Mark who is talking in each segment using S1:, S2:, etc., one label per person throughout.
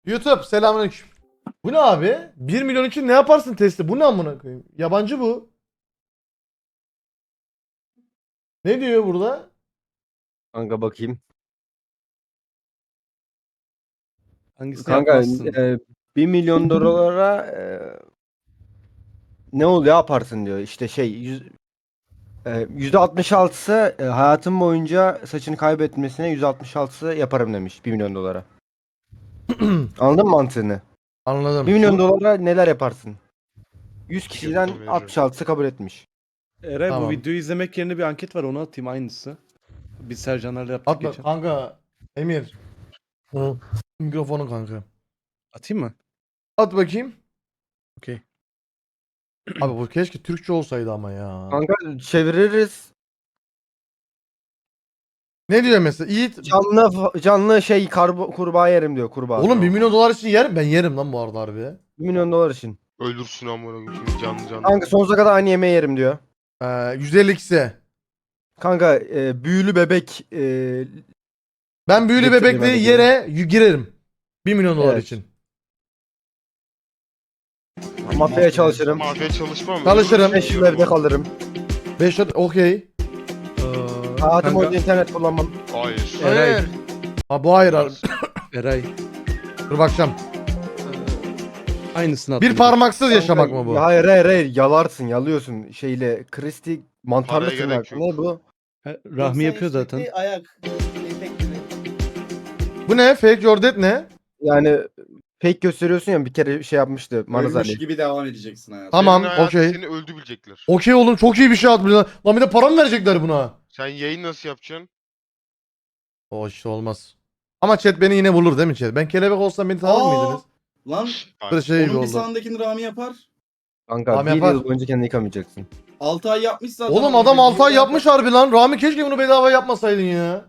S1: YouTube selamünaleyküm. Bu ne abi? 1 milyon için ne yaparsın testi? Bu ne amına koyayım? Yabancı bu. Ne diyor burada?
S2: Kanka bakayım.
S3: Hangisi
S2: Kanka
S3: yapmazsın?
S2: 1 milyon dolara ne oluyor yaparsın diyor. İşte %66'sı hayatım boyunca saçını kaybetmesine %66'sı yaparım demiş 1 milyon dolara. Anladın mı mantığını? 1
S1: Anladım.
S2: milyon dolara neler yaparsın? 100 kişiden
S4: veririm.
S2: 66'sı kabul etmiş.
S3: Eray
S1: Tamam.
S3: bu videoyu izlemek yerine bir anket var onu atayım aynısı. Biz Sercanlarla yaptık
S1: Atma
S3: geçen.
S1: kanka. Emir. Hı. Mikrofonu kanka.
S3: Atayım mı?
S1: At bakayım.
S3: Okey.
S1: Abi bu keşke Türkçe olsaydı ama ya.
S2: Kanka çeviririz.
S1: Ne diyor mesela? Yiğit.
S2: Canlı kurbağa yerim diyor kurbağa.
S1: Oğlum 1 milyon dolar için yer ben yerim lan bu arada harbi.
S2: 1 milyon dolar için.
S4: Öldürsün amına koyayım canlı canlı.
S2: Kanka sonsuza kadar aynı yemeği yerim diyor.
S1: 152'si.
S2: Kanka büyülü bebek
S1: Ben büyülü
S2: Getirdim
S1: bebekli
S2: hadi
S1: yere girerim. 1 milyon dolar
S2: Evet.
S1: için.
S2: mafyaya çalışırım.
S4: Mafya çalışmam.
S1: Çalışırım.
S2: 5 yıl evde kalırım.
S1: 5 okey.
S2: Hayatım
S3: Kanka,
S2: boyunca internet kullanmam.
S4: Hayır.
S3: Eray.
S1: Hayır. Ha bu hayır abi.
S3: Eray.
S1: Dur bakacağım.
S3: Aynısını attım.
S1: Bir parmaksız yaşamak
S2: Kanka,
S1: mı bu?
S2: Hayır yalarsın yalıyorsun şeyle kristi mantarlı
S4: Paraya
S2: tırnak.
S4: gerek yok.
S2: Ne bu?
S3: Rahmi yapıyor zaten.
S5: Ayak. Etek gibi.
S1: Bu ne? Fake your death ne?
S2: Yani fake gösteriyorsun ya bir kere şey yapmıştı Maraz
S5: Ölmüş
S2: Ali.
S5: gibi devam edeceksin hayatım.
S1: Tamam,
S4: Senin hayatın
S1: okey.
S4: Seni öldü bilecekler.
S1: Okey oğlum çok iyi bir şey atmışlar. Lan bir de para mı verecekler buna?
S4: Sen yayın nasıl yapacaksın?
S1: O işte olmaz. Ama chat beni yine bulur değil mi chat? Ben kelebek olsam beni tanır mıydınız?
S5: Lan
S1: Böyle şey gibi
S5: onun bir
S1: oldu.
S5: sağındakini Rami yapar.
S2: Kanka
S1: Abi
S2: bir
S1: yapar.
S2: yıl boyunca kendini yıkamayacaksın.
S5: 6 ay yapmış zaten.
S1: Oğlum
S5: ama
S1: adam
S5: bir
S1: 6 ay
S5: yıl
S1: yapmış harbi lan. Rami keşke bunu bedava yapmasaydın ya.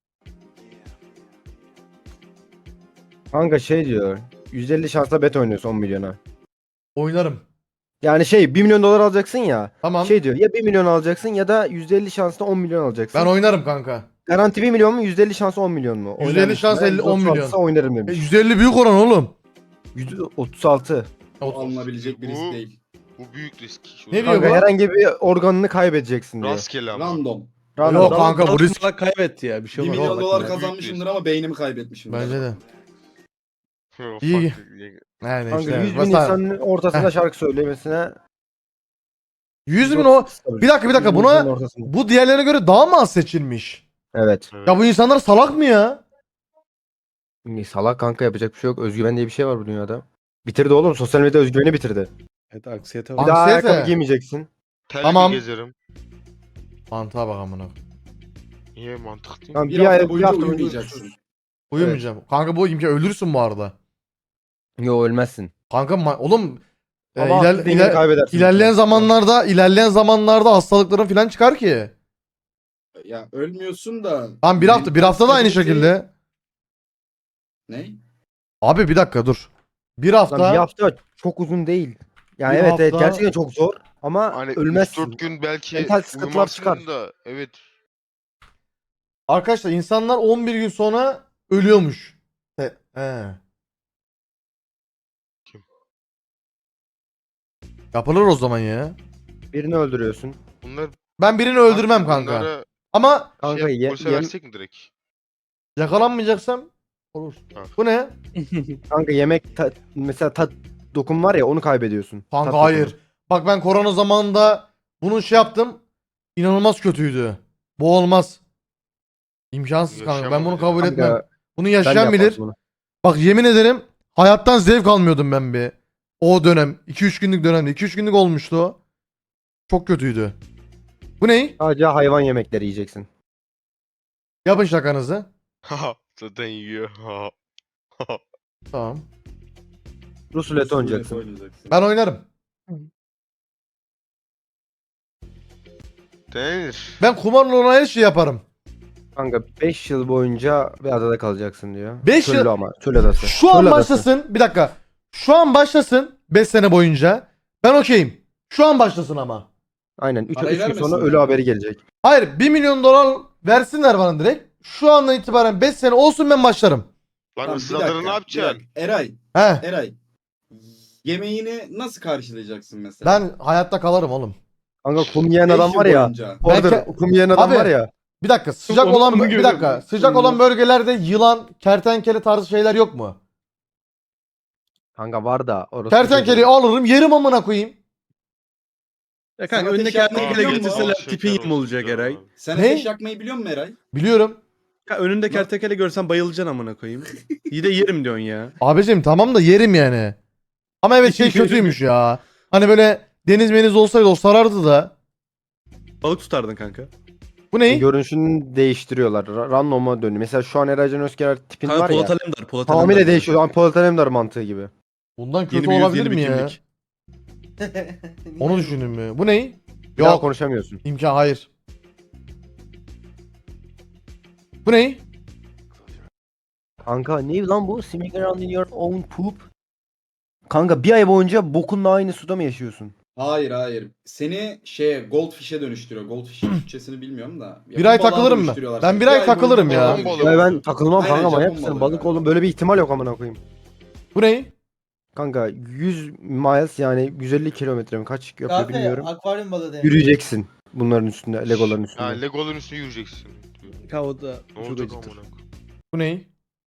S2: Kanka şey diyor. 150 şansla bet oynuyorsun 10 milyona.
S1: Oynarım.
S2: Yani 1 milyon dolar alacaksın ya.
S1: Tamam.
S2: Şey diyor ya 1 milyon alacaksın ya da %50 şansla 10 milyon alacaksın.
S1: Ben oynarım kanka.
S2: Garanti 1 milyon mu %50 şansla 10 milyon mu?
S1: %50 şans 50 10 milyon.
S2: 36'sa oynarım demiş.
S1: 150 büyük oran oğlum.
S2: %36.
S5: alınabilecek bir risk
S4: Bu-
S5: değil.
S4: Bu büyük risk.
S1: Ne diyor
S2: Kanka
S1: bu?
S2: herhangi bir organını kaybedeceksin diyor.
S4: Rastgele ama.
S5: Random.
S1: Yok kanka, bu risk.
S3: Kaybetti ya bir şey
S5: 1
S3: olmaz.
S5: milyon
S3: Bak
S5: dolar
S3: ya.
S5: kazanmışımdır ama beynimi kaybetmişim.
S1: Bence de.
S4: Ufak
S1: İyi.
S4: bir-
S1: Yani
S2: Kanka
S1: işte.
S2: 100 bin
S1: Mesela
S2: insanın ortasında şarkı söylemesine
S1: 100 bin o. Bir dakika
S2: 100 bin
S1: buna
S2: insanın ortasında.
S1: bu diğerlerine göre daha mı az seçilmiş?
S2: Evet.
S4: Evet.
S1: Ya bu insanlar salak mı ya?
S2: Salak kanka yapacak bir şey yok. Özgüven diye bir şey var bu dünyada. Bitirdi oğlum. Sosyal medya özgüveni bitirdi.
S3: Evet aksiyete
S2: Bir
S3: var.
S2: daha
S1: Anksiyete.
S2: ayakkabı giymeyeceksin.
S4: Telli
S1: Tamam.
S4: gezerim.
S1: Mantığa bak amına.
S4: Niye mantık değil?
S2: Tamam,
S5: Bir hafta
S2: bir
S5: boyunca
S2: hafta boyunca
S5: uyumayacaksın.
S1: Uyumayacağım. Kanka bu imkan ölürsün bu arada.
S2: Yo ölmezsin.
S1: Kanka oğlum
S2: Ama
S1: iler-
S2: aklı dengeni
S1: iler-
S2: kaybedersin.
S1: ilerleyen zamanlarda hastalıkların falan çıkar ki.
S5: Ya ölmüyorsun da.
S1: Tamam bir hafta da aynı şekilde.
S5: Ne?
S1: Abi bir dakika dur. Bir
S2: Lan
S1: hafta.
S2: bir hafta çok uzun değil. Yani
S1: Bir
S2: evet
S1: hafta-
S2: gerçekten çok zor ama
S4: Hani
S2: ölmezsin.
S4: 3-4 gün belki
S2: Mental sıkıntılar
S4: uyumazsın
S2: çıkar.
S4: da. Evet.
S1: Arkadaşlar insanlar 11 gün sonra ölüyormuş. He.
S4: Kim?
S1: Yapılır o zaman ya.
S2: Birini öldürüyorsun.
S4: Bunlar
S1: Ben birini öldürmem kanka.
S4: Bunlara
S1: Ama
S2: Kanka
S4: polise versek mi direkt?
S1: yakalanmayacaksam olur.
S4: Ha.
S1: Bu ne?
S2: kanka mesela tat dokun var ya onu kaybediyorsun.
S1: Kanka
S2: Tat
S1: hayır.
S2: dokunu.
S1: Bak ben korona zamanında bunu şey yaptım. İnanılmaz kötüydü. Bu olmaz. İmkansız kanka. Ben bunu
S4: Yaşayamam
S1: kabul
S2: Kanka,
S1: etmem. Bunu
S2: ben de
S1: yaşayan
S2: yapardım
S1: bilir.
S2: bunu.
S1: Bak yemin ederim hayattan zevk almıyordum ben bir. O dönem. 2-3 günlük dönemde. 2-3 günlük olmuştu o. Çok kötüydü. Bu ne?
S2: Sadece hayvan yemekleri yiyeceksin.
S1: Yapın şakanızı.
S4: Haha. Zaten yiyor. Haha.
S1: Tamam.
S2: Rus ruleti oynayacaksın.
S1: Ben oynarım.
S4: Denir.
S1: Ben kumarla olan her şeyi yaparım.
S2: Kanka 5 yıl boyunca bir adada kalacaksın diyor.
S1: 5
S2: Çöllü
S1: yıl-
S2: ama. Çöl adası.
S1: Şu an
S2: Çöl adası.
S1: başlasın. Bir dakika. Şu an başlasın. 5 sene boyunca. Ben okeyim. Şu an başlasın ama.
S2: Aynen. 3
S5: Parayı
S2: gün sonra
S5: vermesinler.
S2: ölü haberi gelecek.
S1: Hayır 1 milyon dolar versinler bana direkt. Şu andan itibaren 5 sene olsun ben başlarım.
S4: Lan
S5: Tamam, bir
S4: ısırları
S5: dakika,
S4: ne
S5: bir
S4: yapacaksın?
S5: dakika. Eray,
S1: He.
S5: Eray. Yemeğini nasıl karşılayacaksın mesela?
S1: Ben hayatta kalırım oğlum.
S2: Kanka kum yiyen
S5: 5
S2: adam
S5: yıl
S2: var ya.
S5: boyunca.
S2: Orada
S1: Belki-
S2: kum yiyen adam
S1: Abi,
S2: var ya.
S1: Bir dakika sıcak
S3: Onu-
S1: olan
S3: onu
S1: bir dakika
S3: görüyorum.
S1: sıcak olan
S3: Onu-
S1: bölgelerde yılan, kertenkele tarzı şeyler yok mu?
S2: Kanka var da orası.
S1: Kertenkeleyi alırım yerim amına koyayım.
S3: Ya kanka
S5: Sana
S3: önüne
S5: ateş yakmayı
S3: kertenkele
S5: biliyor musun?
S3: getirseler tipin yem olacak Eray.
S5: Sen
S1: Ne?
S5: ateş yakmayı biliyor musun Eray?
S1: Biliyorum.
S3: Ya önünde kertenkele görsen bayılacaksın amına koyayım. İyi de yerim diyorsun ya.
S1: Abicim tamam da yerim yani. Ama evet şey kötüymüş ya. Hani böyle deniz meniz olsaydı o sarardı da.
S3: Balık tutardın kanka.
S1: Bu ne?
S2: Görünüşünü değiştiriyorlar. Random'a dönüyor. Mesela şu an Eracan Özkener tipin
S3: Kanka
S2: var ya.
S3: Polat Alemdar. Polat
S2: Tamamıyla
S3: Alemdar.
S2: değişiyor. Polat Alemdar mantığı gibi.
S1: Bundan
S3: Yeni
S1: kötü
S3: bir yüz,
S1: olabilir
S3: yeni bir
S1: mi ya?
S3: kimlik.
S1: Onu düşündün mü? Bu ne?
S2: Bir daha
S1: Yok.
S2: konuşamıyorsun.
S1: İmkan hayır. Bu ne?
S2: Kanka ne lan bu? Swimming around in your own poop. Kanka bir ay boyunca bokunla aynı suda mı yaşıyorsun?
S5: Hayır. Seni Goldfish'e dönüştürüyor. Goldfish'in Türkçesini bilmiyorum da.
S1: Bir ay
S5: Japon balığa
S1: takılırım mı?
S5: dönüştürüyorlar
S1: Ben
S5: seni.
S1: bir ay takılırım
S5: boyunca
S1: ya.
S5: balığa
S4: Japon
S5: dönüştürüyorlar.
S2: Ya ben takılmam
S5: Aynen,
S2: kanka, manyak
S5: Japon
S2: mısın?
S5: balığı
S2: Balık
S5: ya.
S2: oğlum, böyle bir ihtimal yok amına koyayım.
S1: Bu ne?
S2: Kanka 100 miles yani 150 kilometre mi kaç yapıyor
S6: Kanka
S2: bilmiyorum.
S6: akvaryum balığı demek.
S2: Yürüyeceksin bunların üstünde, legoların
S4: Ha
S2: üstünde.
S4: Legoların üstüne yürüyeceksin.
S3: Kanka o da
S4: Ne
S3: çok
S4: olacak
S3: acıtır.
S4: amına koyayım?
S1: Bu ne?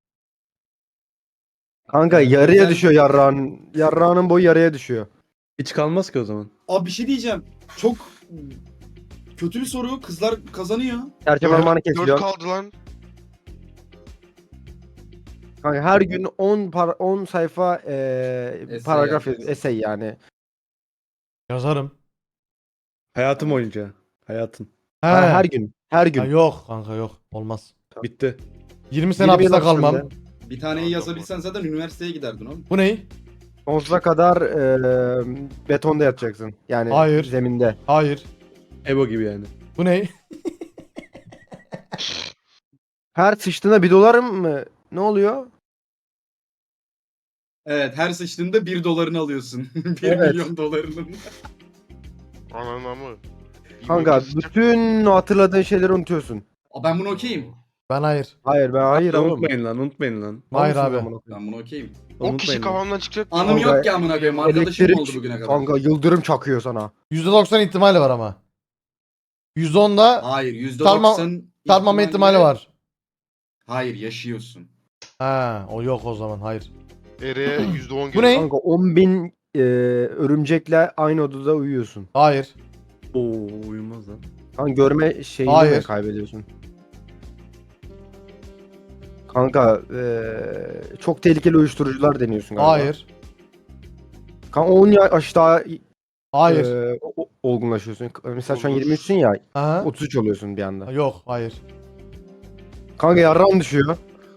S2: Kanka yarıya
S5: Özel-
S2: düşüyor yarrağın. Yarrağının boyu yarıya düşüyor.
S3: Hiç kalmaz ki o zaman.
S5: Abi bir şey diyeceğim. Çok kötü bir soru. Kızlar kazanıyor.
S2: Serçe parmağını
S4: 4
S2: kesiyor.
S4: kaldı lan.
S2: Kanka her gün 10 sayfa paragraf
S5: yapacaksın.
S2: essay yani.
S1: Yazarım.
S3: Hayatım boyunca. Hayatın.
S1: He.
S2: Her gün. Her gün.
S1: Ha, yok kanka yok. Olmaz.
S3: Bitti.
S1: 20 sene
S2: 20 yıl
S1: hapiste
S2: hapiste
S1: kalmam.
S2: bile.
S5: Bir taneyi yazabilsen zaten üniversiteye giderdin oğlum.
S1: Bu ne?
S2: Sonsuza kadar betonda yatacaksın. Yani
S1: Hayır.
S2: zeminde.
S1: Hayır.
S3: Ebo gibi yani.
S1: Bu ne?
S2: Her sıçtığında $1 mı? Ne oluyor?
S5: Evet, her sıçtığında $1 alıyorsun. 1
S2: Evet.
S5: milyon dolarının.
S4: Ananı mı?
S2: Kanka bütün hatırladığın şeyleri unutuyorsun.
S5: Ben bunu okeyim.
S1: Ben hayır.
S2: Hayır ben hayır oğlum.
S3: Unutmayın lan.
S1: Hayır
S2: Mal
S1: abi.
S2: mısın amına koyayım?
S5: Ben bunu okeyim.
S4: O kişi
S3: Unutmayın lan.
S4: kafamdan çıkacak.
S5: Anım
S2: Kanka,
S5: yok ki amına koyayım. Arkadaşım
S2: Elektrik
S5: oldu bugüne kadar.
S2: kanka yıldırım çakıyor sana.
S1: %90 ihtimali var ama. %10'da
S5: Hayır, %90
S1: çarpmama ihtimali var.
S5: Hayır, yaşıyorsun.
S1: Ha, o yok o zaman. Hayır.
S4: Ereğe %10
S1: Bu ne?
S2: Kanka 10.000 örümcekle aynı odada uyuyorsun.
S1: Hayır.
S3: Oo uyumaz lan.
S2: Kanka görme şeyini
S1: Hayır.
S2: mi kaybediyorsun? Kanka çok tehlikeli uyuşturucular deniyorsun galiba.
S1: Hayır.
S2: Kanka 10 yaş daha
S1: Hayır.
S2: olgunlaşıyorsun. Mesela şu an
S4: Olur.
S2: 23'sün ya,
S1: Aha.
S2: 33 oluyorsun bir anda.
S1: Yok, hayır.
S2: Kanka yarrağın düşüyor.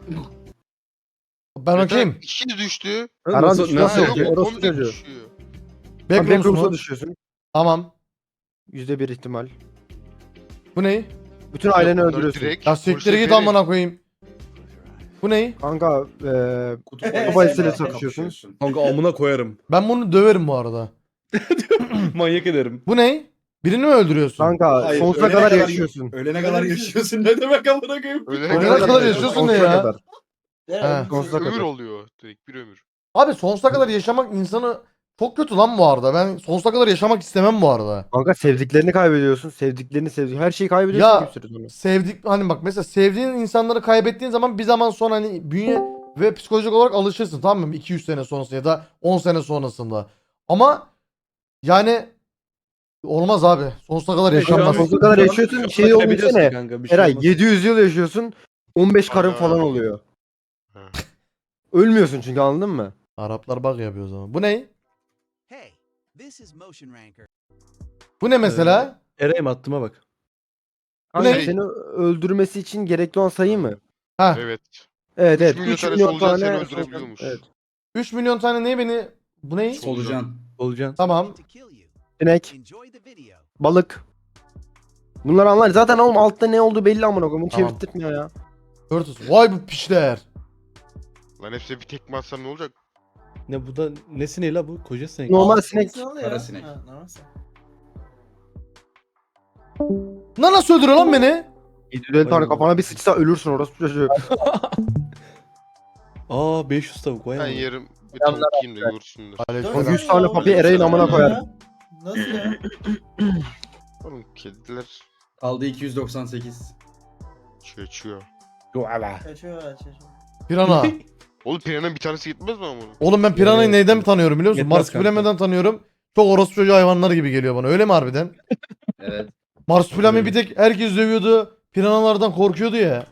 S1: Ben okeyim.
S4: İki düştü.
S2: Aran
S3: Nasıl,
S2: nasıl
S4: Ha,
S2: yok?
S4: yok,
S2: Orası
S4: komple
S2: çocuğu.
S4: düşüyor.
S2: Kanka
S1: Backrooms
S2: backrooms'a
S1: mu?
S2: düşüyorsun.
S1: Tamam.
S2: %1 ihtimal.
S1: Bu ne?
S2: Bütün aileni
S4: Bunlar
S2: öldürüyorsun.
S4: direkt
S1: Ya siktir
S4: polise
S1: git
S4: vererek-
S1: amına koyayım. Bu ne?
S2: Kanka
S5: Kutu
S2: balesiyle
S5: kapışıyorsun.
S2: kapışıyorsun.
S3: Kanka amına koyarım.
S1: Ben bunu döverim bu arada.
S3: Manyak ederim.
S1: Bu ne? Birini mi öldürüyorsun?
S2: Kanka
S5: Hayır,
S2: sonsuza
S5: ölene
S2: kadar
S5: kadar-
S2: yaşıyorsun.
S5: Ölene kadar yaşıyorsun. Ne demek amına koyayım?
S4: Ölene
S1: Ölene kadar yaşıyorsun ne ya?
S2: kadar.
S1: He.
S2: Sonsuza
S4: Ömür
S2: kadar.
S4: oluyor. Direkt bir ömür.
S1: Abi sonsuza kadar yaşamak insanı çok kötü lan bu arada. Ben sonsuza kadar yaşamak istemem bu arada.
S2: Kanka sevdiklerini kaybediyorsun. Sevdiklerini her şeyi kaybediyorsun
S1: Ya
S2: ki bir süre sonra.
S1: sevdik hani bak mesela sevdiğin insanları kaybettiğin zaman bir zaman sonra hani bünye ve psikolojik olarak alışırsın, tamam mı? 200 sene sonrasında ya da 10 sene sonrasında. Ama yani olmaz abi. Sonsuza kadar
S3: Evet, şu an
S1: yaşanmaz.
S2: Sonsuza kadar yaşıyorsun. Şey
S3: Kaybediyorsun
S2: olmuş ne?
S3: kanka, bir şey
S2: Eray
S3: olmaz.
S2: 700 yıl yaşıyorsun. 15 karın
S4: Ana.
S2: falan oluyor.
S4: Ha.
S2: Ölmüyorsun çünkü, anladın mı?
S1: Araplar bak yapıyor o zaman. Bu ne?
S7: Hey, this is Motion Ranker.
S1: Bu ne mesela?
S3: Eray'ım attıma bak.
S2: Kanka
S1: ne?
S2: seni öldürmesi için gerekli olan sayı mı?
S1: Ha.
S4: Evet.
S2: Evet
S4: 3
S2: evet.
S4: milyon
S2: 3
S4: tane
S2: milyon
S4: solucan
S2: tane.
S4: seni öldürebiliyormuş.
S2: Evet.
S1: 3 milyon tane ne beni? Bu ne?
S5: Solucan.
S3: Olacaksın.
S1: Tamam.
S7: To kill you.
S2: Sinek,
S7: Enjoy the video.
S2: balık. Bunları anlar. Zaten oğlum altta ne olduğu belli amına koyayım. Bunu
S1: Tamam.
S2: çevirttirmiyor ya.
S1: Turtles. Vay bu pişler.
S4: Lan hepsine bir tekme atsam ne olacak?
S3: Ne bu da ne sineği la bu? Koca sinek.
S2: Normal sinek.
S6: Ne oluyor?
S5: Kara sinek.
S6: Ha, normal sinek.
S1: Lan nasıl öldürüyor lan beni?
S2: 750 tane kafana bir sıçsa ölürsün orası çocuğu.
S3: Aa 500 tavuk vay
S4: Ben
S3: amına.
S4: yerim bir tavuk yiyeyim de görsünler.
S1: Aleykümselam.
S2: 100 tane papi Eray'ın amına koyar.
S6: Nasıl ya?
S4: Oğlum kediler
S5: Kaldı 298.
S4: çöçüyor.
S6: Kaçıyor.
S1: Pirana.
S4: Oğlum piranın bir tanesi gitmez mi ama?
S1: Oğlum ben piranayı
S3: Evet.
S1: neyden tanıyorum biliyor musun?
S3: Yetmez
S1: Marsupilami'den tanıyorum. Çok orospu çocuğu hayvanları gibi geliyor bana. Öyle mi harbiden?
S5: Evet.
S1: Marsupilami bir tek herkes dövüyordu. Piranalardan korkuyordu ya.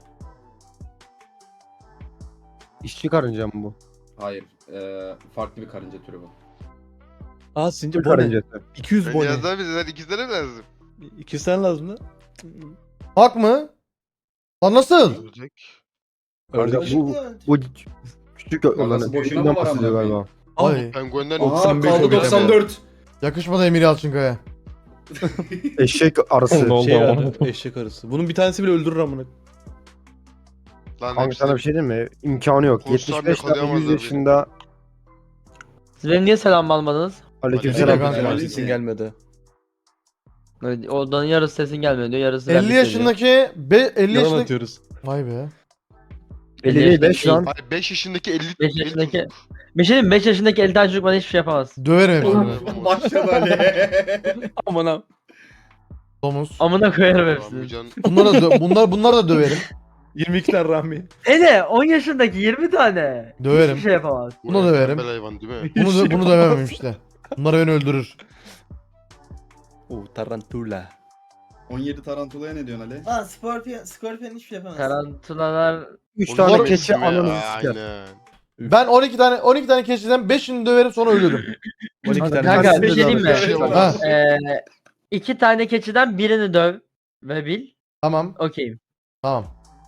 S2: İşçi karınca mı bu?
S5: Hayır. Farklı bir karınca türü bu.
S3: Aa Sinci
S2: Türk
S3: bone.
S2: karıncası.
S3: 200
S4: Ben
S3: bone.
S4: yazdan bizden 2 tane lazım.
S3: 200 tane lazım da.
S1: Hak mı? Lan nasıl?
S4: Ölecek.
S2: Kanka
S3: Ördek.
S2: bu küçük olanı.
S5: boşuna
S2: Küçüğünden
S5: mı var
S2: bahsediyor
S5: amına
S2: galiba.
S1: Ay.
S4: Penguenden
S5: Aha
S3: 95
S5: kaldı
S3: hobbit ama.
S5: 94.
S1: Yakışmadı Emir Yalçınkaya.
S2: Eşek arısı.
S3: Şey yani, eşek arısı. Bunun bir tanesi bile öldürür amına.
S4: Lan
S2: Kanka sana bir şey diyeyim mi? İmkanı yok.
S4: Konuşsam
S2: 75 tane 100
S4: yakalayamazlar
S2: yaşında.
S8: Siz benim niye selam almadınız?
S2: Aleykümselam.
S1: kanka.
S3: Selam
S5: Aleyküm.
S3: sesin gelmedi.
S8: Evet, odanın yarısı sesin gelmiyor diyor, yarısı
S1: 50
S8: bende söylüyor.
S1: yaşındaki 50
S3: Yalan
S1: yaşındaki
S3: atıyoruz.
S1: Vay be.
S2: 50 değil 5 lan.
S4: Hayır 5 yaşındaki 50
S8: 5 yaşındaki bir şey diyeyim mi? 5 yaşındaki 50 tane çocuk bana hiçbir şey yapamaz.
S1: Döverim hepsini.
S5: Başladı Ali.
S3: Aman ha.
S1: Domuz.
S8: Amına koyarım hepsini.
S4: Amcan
S1: Bunlar da döverim.
S3: 22 tane Rahmi.
S8: Ede 10 yaşındaki 20 tane.
S1: Döverim.
S8: Hiçbir şey yapamaz.
S1: Bunu da verim.
S4: tembel hayvan değil mi?
S1: Bunu dövemem işte. Bunlar beni öldürür.
S3: Oo tarantula.
S5: 17 tarantulaya ne diyorsun Ali?
S6: Lan Scorpion hiçbir şey yapamaz.
S8: Tarantulalar
S2: 3
S4: Oğlum,
S2: tane
S4: demek
S2: keçi
S4: değil mi?
S2: ananızı siker.
S4: Aynen.
S1: Ben 12 tane keçiden 5'ini döverim sonra ölürüm.
S3: 12 tane.
S8: Kanka, bir şey diyeyim mi?
S5: Şey olmaz.
S1: Ha,
S8: 2 tane keçiden birini döv ve bil.
S1: tamam.
S8: Okeyim.
S1: Tamam.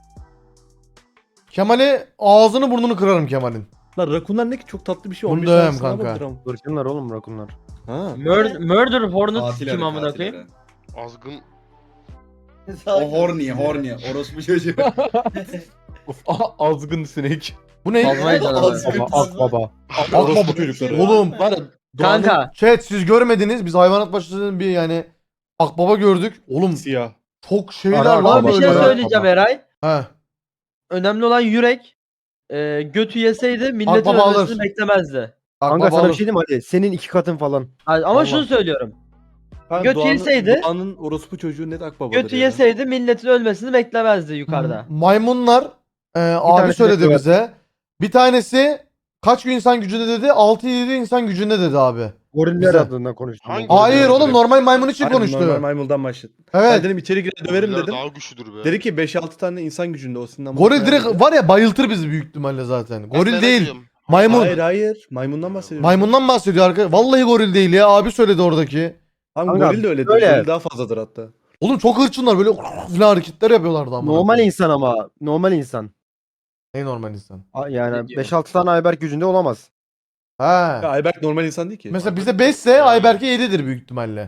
S1: Kemal'i ağzını burnunu kırarım Kemal'in.
S3: Lan rakunlar ne ki çok tatlı bir şey.
S1: Bunu
S3: 15
S1: dövem
S3: tanesine
S1: kanka.
S3: bakıyorum.
S2: Rakunlar oğlum rakunlar.
S3: Ha.
S8: Murder Hornet
S5: Katil
S8: kim
S5: Ali,
S8: amına
S5: katil
S8: koyayım?
S5: Ali.
S4: Azgın
S5: O horny. Orospu çocuğu.
S3: Of, azgın sinek.
S1: Bu ne?
S8: Kazmayı canavarı.
S5: Azgın.
S2: Baba ak baba.
S3: Orospu çocukları.
S1: Oğlum
S3: Var ya.
S8: Kanka
S1: chat siz görmediniz. Biz hayvanat bahçesinin bir yani akbaba gördük. Oğlum
S3: Siyah.
S1: çok şeyler
S2: Ara,
S1: lan
S8: ama bir
S1: böyle.
S8: şey
S2: ya.
S8: söyleyeceğim Eray.
S1: He.
S8: Önemli olan yürek. Götü yeseydi milletin
S1: Akbaba alır.
S8: ölmesini beklemezdi.
S2: Kanka
S1: Akbaba
S2: sana bir
S1: alır.
S2: şey diyeyim mi Ali? Senin 2 katın falan.
S8: Ama
S1: Allah.
S8: şunu söylüyorum.
S3: Kanka,
S8: Götü yeseydi-
S3: Doğan'ın orospu çocuğu net akbabadır
S8: Götü
S3: ya.
S8: yeseydi milletin ölmesini beklemezdi yukarıda.
S1: Maymunlar abi
S2: tanesi
S1: söyledi
S2: de
S1: bize. Bir tanesi kaç gün insan gücünde dedi? 6-7 insan gücünde dedi abi.
S2: Goriller
S1: Güzel.
S2: adından konuştum.
S4: Hangi-
S1: Hayır
S4: Goriller
S1: oğlum
S4: direkt.
S1: normal maymun için
S3: Aynen,
S1: konuştu.
S3: Normal maymundan başladı. Ben
S1: Evet.
S3: dedim içeri girer döverim
S4: goriller
S3: dedim.
S4: daha güçlüdür be.
S3: Dedi ki 5-6 tane insan gücünde o sinirden.
S1: Goril direkt var ya bayıltır bizi büyük ihtimalle zaten.
S4: Ben
S1: Goril
S4: merak
S1: değil.
S4: ediyorum.
S1: Maymun.
S3: Hayır. Maymundan bahsediyorum.
S1: Maymundan bahsediyor arkadaş. Vallahi goril değil ya. Abi söyledi oradaki.
S3: Abi
S2: Kanka,
S3: goril de öyledir.
S2: böyle.
S3: Goril daha fazladır hatta.
S1: Oğlum çok hırçınlar böyle falan hareketler yapıyorlardı ama.
S2: Normal insan ama. Normal insan.
S1: Ne normal insan?
S2: Yani
S8: Ne diyor?
S2: 5-6 tane Ayberk gücünde olamaz.
S1: He.
S3: Ya Ayberk normal insan değil ki.
S1: Mesela bize 5 ise Ayberk'e 7'dir büyük ihtimalle.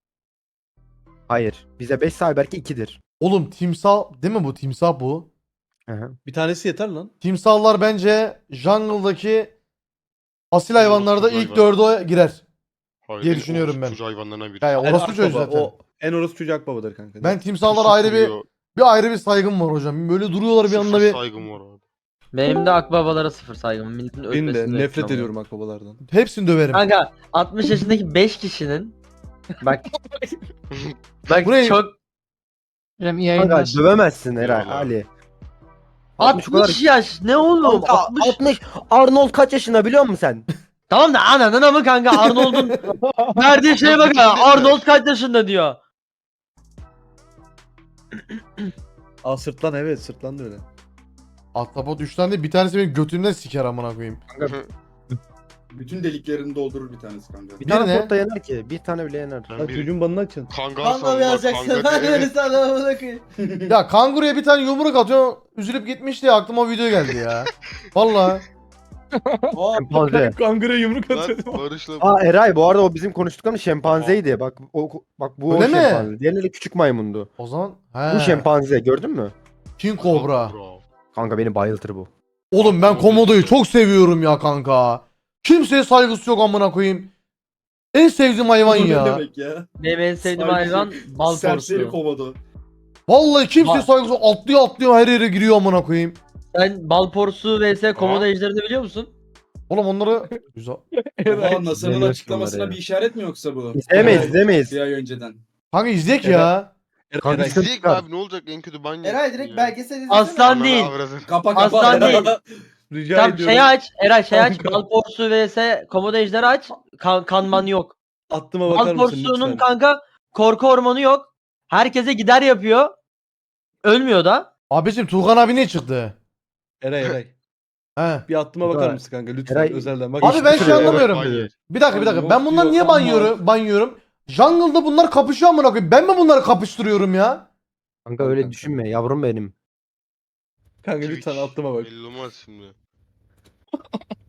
S2: Hayır. Bize 5 ise Ayberk'e 2'dir.
S1: Oğlum timsah değil mi bu? Timsah bu.
S3: Bir tanesi yeter lan.
S1: Timsahlar bence jungle'daki asil hayvanlarda
S4: Orospu
S1: ilk
S4: hayvan.
S1: 4'e girer.
S4: Hayır,
S1: diye
S4: en
S1: düşünüyorum ben.
S4: orospu hayvanlarından biri.
S1: Yani
S3: En
S1: orospu çocuğu
S3: akbaba,
S1: zaten.
S3: O en orospu çocuğu akbabadır kanka.
S1: Ben timsahlara
S4: Pusu
S1: ayrı
S4: kuruyor,
S1: bir ayrı bir saygım var hocam. Böyle duruyorlar bir
S4: sıfır
S1: anda bir.
S4: saygım var abi.
S8: Benim de akbabalara sıfır saygım. Milletin
S3: Benim de
S8: ölmesini
S3: nefret
S8: bekliyorum.
S3: ediyorum akbabalardan.
S1: Hepsini döverim.
S8: Kanka 60 yaşındaki 5 kişinin bak bak
S1: Bu ne?
S8: çok
S2: Kanka dövemezsin Eray
S4: Eyvallah.
S2: Ali.
S8: 60 yaş ne oğlum?
S2: Kanka,
S8: 60.
S2: 60. Arnold kaç yaşında biliyor musun sen?
S8: Tamam da ananın ama kanka Arnold'un verdiği şeye bak ya. Arnold kaç yaşında diyor.
S3: Aa sırtlan evet sırtlan da öyle.
S1: Ahtapot 3 tane değil bir tanesi benim götümden siker amına koyayım.
S5: Bütün deliklerini doldurur bir tanesi kanka.
S2: Bir
S1: Bir
S2: tane
S1: ne?
S2: pot da yener ki. Bir tane bile yener.
S4: Ben
S3: Lan
S4: bir
S3: çocuğun banını açın.
S4: kangal
S6: Kanka
S4: sandılar,
S6: yazacaksın.
S4: kangal
S6: Ben
S4: diye.
S6: öyle sana bırakayım.
S1: Ya kanguruya bir tane yumruk atıyor üzülüp gitmiş diye aklıma o video geldi ya. Valla.
S2: Şempanze.
S3: Kangura yumruk
S4: Lan
S3: atıyor.
S4: Barış'la
S2: Aa Eray bu arada o bizim konuştuklarımız şempanzeydi. Bak bu
S1: Öyle
S2: o
S1: mi?
S2: şempanze. Diğerleri küçük maymundu.
S1: O zaman he.
S2: Bu şempanze gördün mü?
S1: King Cobra.
S2: Kanka beni bayıltır bu.
S1: Oğlum ben komodoyu çok seviyorum ya kanka. Kimseye saygısı yok amına koyayım. En sevdiğim hayvan
S5: Bu ne
S1: ya.
S5: demek ya?
S8: Benim en sevdiğim
S5: Saygısı-
S8: hayvan bal
S5: Serseri
S8: porsu.
S5: komodo.
S1: Vallahi kimseye
S8: Bak.
S1: saygısı yok. Atlıyor her yere giriyor amına koyayım.
S8: Sen Balporsu vs Komodo ejderini biliyor musun?
S1: Oğlum onları güzel.
S5: Oha, NASA'nın
S2: Bilmiyorum
S5: açıklamasına
S2: bunları
S5: bir
S2: ya.
S5: işaret mi yoksa bu?
S2: İzlemeyiz izlemeyiz.
S5: Bir ay önceden.
S1: Kanka izleyek ya.
S2: Kanka
S4: İzleyek mi
S2: çıkar.
S4: abi, ne olacak, en kötü ban
S6: Eray
S4: yersin
S6: direkt
S4: ya.
S6: belgesel izlesene.
S8: Aslan
S4: Ananı
S8: değil.
S4: avradını.
S5: Kapa
S8: Aslan değil.
S3: Rica
S8: Tam
S3: ediyorum.
S8: şeyi aç. Eray şey aç.
S3: Kanka.
S8: Balporsu vs Komodo ejderi aç. Kanman yok.
S3: Attıma bakar mısın
S8: Balporsu'nun
S3: lütfen?
S8: kanka korku hormonu yok. Herkese gider yapıyor. Ölmüyor da.
S1: Abicim Tuğkan abi ne çıktı?
S3: Eray.
S1: He.
S3: Bir attıma bakar
S2: Eray.
S3: mısın kanka lütfen
S2: Eray-
S3: özelden. Bak,
S1: Abi ben
S3: hiçbir
S1: şey
S3: şey yok.
S1: anlamıyorum.
S4: Ban yer.
S1: Bir dakika.
S5: Yok
S1: Ben bunları niye
S5: diyor,
S1: banıyorum? Jungle'da bunlar kapışıyor amına koyayım. Ben mi bunları kapıştırıyorum ya?
S2: Kanka öyle düşünme yavrum benim.
S3: Kanka lütfen attıma bak.
S4: Belli olmaz şimdi.